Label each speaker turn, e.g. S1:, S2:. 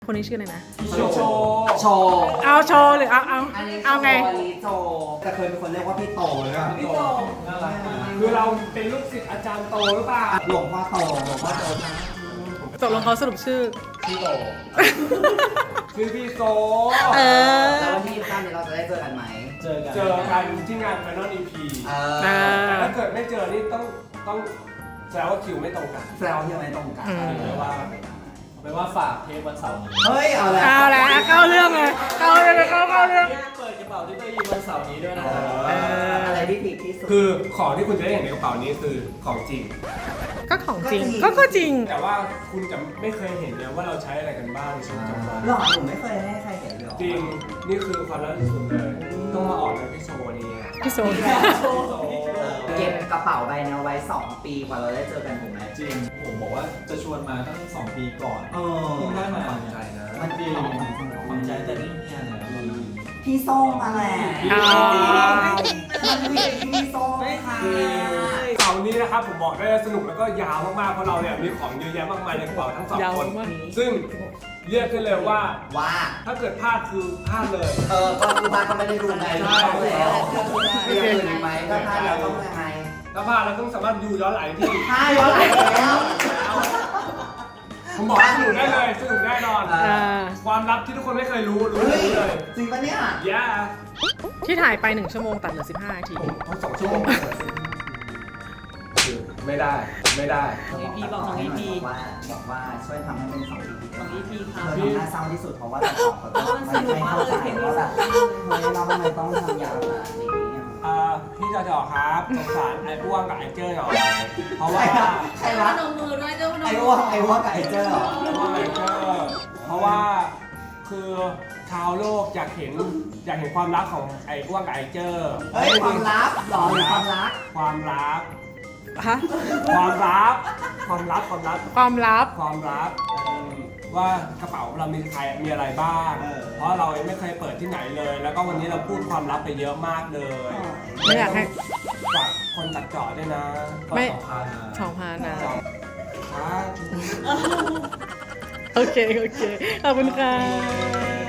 S1: คนนี้ชื่ออะไรนะ
S2: โชว์
S1: เอาโชว์หรือเอาไง
S3: อันนี้โชว์แต่เคยเป็นคนเรียกว่าพี่โตเลยอะ
S2: พี่โตน่ารักคือเราเป็นลูกศิษย์อาจารย์โตหรือเปล่า
S3: หลวงพ่อโตนะ
S1: ตกลงเขาสรุปชื่อ
S2: พี่โตคือพี่โต
S3: แล้ววันที่23นี้เราจะได้เจอกันไหม
S2: เจอกันที่งาน Final EP แต่ถ้าเกิดไม่เจอนี่ต้องแสดงว่าคิวไม่ตรงกัน
S3: แซวที่ไม่ตรงกัน
S2: ไม่ว่าฝากเทปวันเสาร์นี้
S3: เฮ้ยเอาแล้ว
S1: เอาแล้วเข้าเรื่องเลยเข้าเรื่อง
S4: เปิดกระเป๋าที่ตัวยีวันเสาร์นี้ด้วยนะ
S3: อะไรที่ผิดที่สุด
S2: คือของที่คุณจะได้เห็นในกระเป๋านี้คือของจริง
S1: ก็ของจริงก็จริง
S2: แต่ว่าคุณจะไม่เคยเห็นเนี่ยว่าเราใช้อะไรกันบ้างในชีวิตประจำวัน
S3: หล่อหนูไม่เคยให้ใครเห็นเลย
S2: จริงนี่คือความลับที่สุดเลยต้องมาออกในพี่โชว์นี้
S1: พี่โซน
S3: เก็บกระเป๋าใบนี้ไว้2 ปีกว่าเราได้เจอกันถูกไหม
S4: จริงผมบอกว่าจะชวนมาตั้ง2 ปีก่อน
S3: เออ
S4: เพิ่งได้มา
S2: ฝังใจนะ
S4: มันดีฝังใจแต่นี่เนี่ยนะ
S3: พี่ส้มมาแหละ
S1: อ๋อ
S3: มันมีพี่ส้มค่ะ
S2: เสาร์นี้นะครับผมบอกได้เลยสนุกแล้วก็ยาวมากๆเพราะเราเนี่ยมีของเยอะแยะมากมายในกระเป๋าทั้งสอง
S1: ยาว
S2: คน
S1: มาก
S2: ซึ่งเรียกได้เลยว่า
S3: ว่า
S2: ถ้าเกิดพลาดคือพลาดเลย
S3: ก็คือบ้านก็ไม่ได้ดูไงแล้วมีอย่างอื่นอีกไหมก็ถ้าเราต้องยังไง
S2: ถ้าพลาดเราต้องสามารถดูย้อนหลังที่
S3: ถ้าย้อนหลังแล้ว
S2: ผมบอกว่าสนุกได้เลยสนุกแน่นอน ความลับที่ทุกคนไม่เคยรู้เลย
S3: จริงปะเนี่ย
S2: ย่า
S1: ที่ถ่ายไป1 ชั่วโมงตัดเหลือ15 นาที
S2: ผมทั้ง2 ชั่วโมงไม่ได้
S5: EP บอกของ EP
S3: บอกว่าช่วยทำให้เป็น2 EP
S5: ของ EP ค่ะ
S3: เธอทำหน้าเศร้าที่สุดเพราะว่าแต่ของเขาไม่เข้าใจว่าแบบเฮ้ยเราทำไมต้องทำยาวขนาดนี้
S2: พี่จอครับสงสารไอ้อ้วงกับไอ้เจ้หน่อยเพราะว่า
S3: ใครวะ
S5: พนมมือด้วยเจ้าพนม
S3: ไอ้
S5: มื
S3: อ้วกกับไอ้เจ้าเหรอ
S2: เพราะว่าคือชาวโลกอยากเห็นความรักของไอ้อ้วงกับไอ้เจ้
S3: เฮ้ยความลับหรอหรือความรัก
S2: ความรัก
S1: ฮะ
S2: ความลับ
S1: ความลับ
S2: ว่ากระเป๋าเรามีอะไรบ้าง เพราะเราไม่เคยเปิดที่ไหนเลย แล้วก็วันนี้เราพูดความลับไปเยอะมากเลย
S1: ไม่อยากให้
S2: ฝากคนตัดเจาะด้วยนะ
S1: ไม่
S4: 2,000นะ
S1: 2,000นะ
S2: ครับ
S1: โอเคขอบคุณค่ะ